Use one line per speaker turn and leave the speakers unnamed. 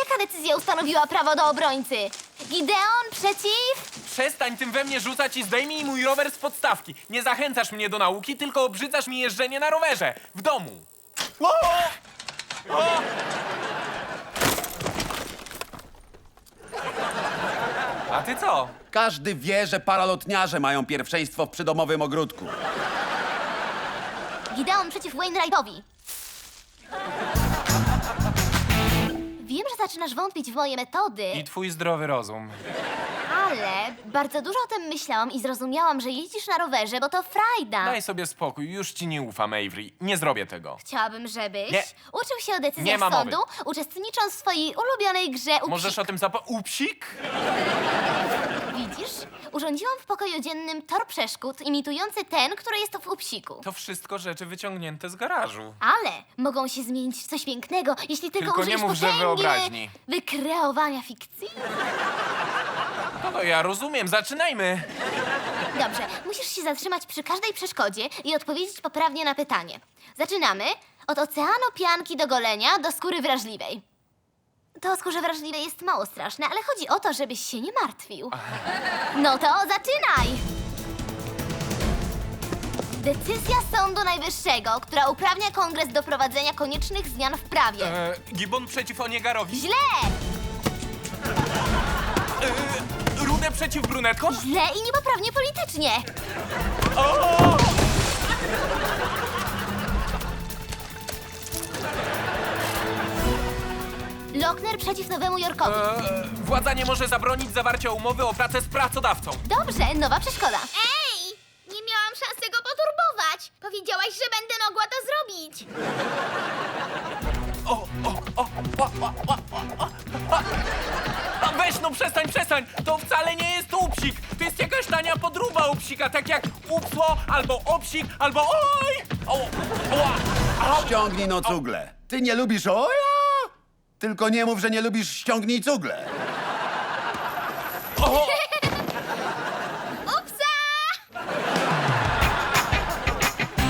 Jaka decyzja ustanowiła prawo do obrońcy? Gideon przeciw?
Przestań tym we mnie rzucać i zdejmij mój rower z podstawki. Nie zachęcasz mnie do nauki, tylko obrzydzasz mi jeżdżenie na rowerze. W domu. O! O! A ty co?
Każdy wie, że paralotniarze mają pierwszeństwo w przydomowym ogródku.
Gideon przeciw Wainwrightowi. Wiem, że zaczynasz wątpić w moje metody,
I twój zdrowy rozum.
ale bardzo dużo o tym myślałam i zrozumiałam, że jeździsz na rowerze, bo to frajda.
Daj sobie spokój, już ci nie ufam, Avery. Nie zrobię tego.
Chciałabym, żebyś
Nie.
uczył się o
Nie
decyzjach
ma mowy.
sądu, uczestnicząc w swojej ulubionej grze Upsik.
Możesz o tym Upsik?
Widzisz? Urządziłam w pokoju dziennym tor przeszkód imitujący ten, który jest w Upsiku.
To wszystko rzeczy wyciągnięte z garażu.
Ale mogą się zmienić w coś pięknego, jeśli tylko
Tylko nie
użyjesz
mów, że
potęgi
wyobraźni.
wykreowania fikcji.
No ja rozumiem, zaczynajmy.
Dobrze, musisz się zatrzymać przy każdej przeszkodzie i odpowiedzieć poprawnie na pytanie. Zaczynamy od oceanu pianki do golenia do skóry wrażliwej. To o skórze wrażliwej jest mało straszne, ale chodzi o to, żebyś się nie martwił. No to zaczynaj! Decyzja Sądu Najwyższego, która uprawnia Kongres do prowadzenia koniecznych zmian w prawie.
Gibbon przeciw Oniegarowi.
Źle!
Rudę przeciw brunetkom?
Źle i niepoprawnie politycznie. Lochner przeciw Nowemu Jorkowi.
Władza nie może zabronić zawarcia umowy o pracę z pracodawcą.
Dobrze, nowa przeszkoda.
Ej! Nie miałam szansy go poturbować. Powiedziałaś, że będę mogła to zrobić.
A weź no przestań! To wcale nie jest upsik! To jest jakaś tania podróba upsika, tak jak upsło, albo obsik, albo oj!
Ściągnij no cugle. Ty nie lubisz oja? Tylko nie mów, że nie lubisz ściągnij cugle.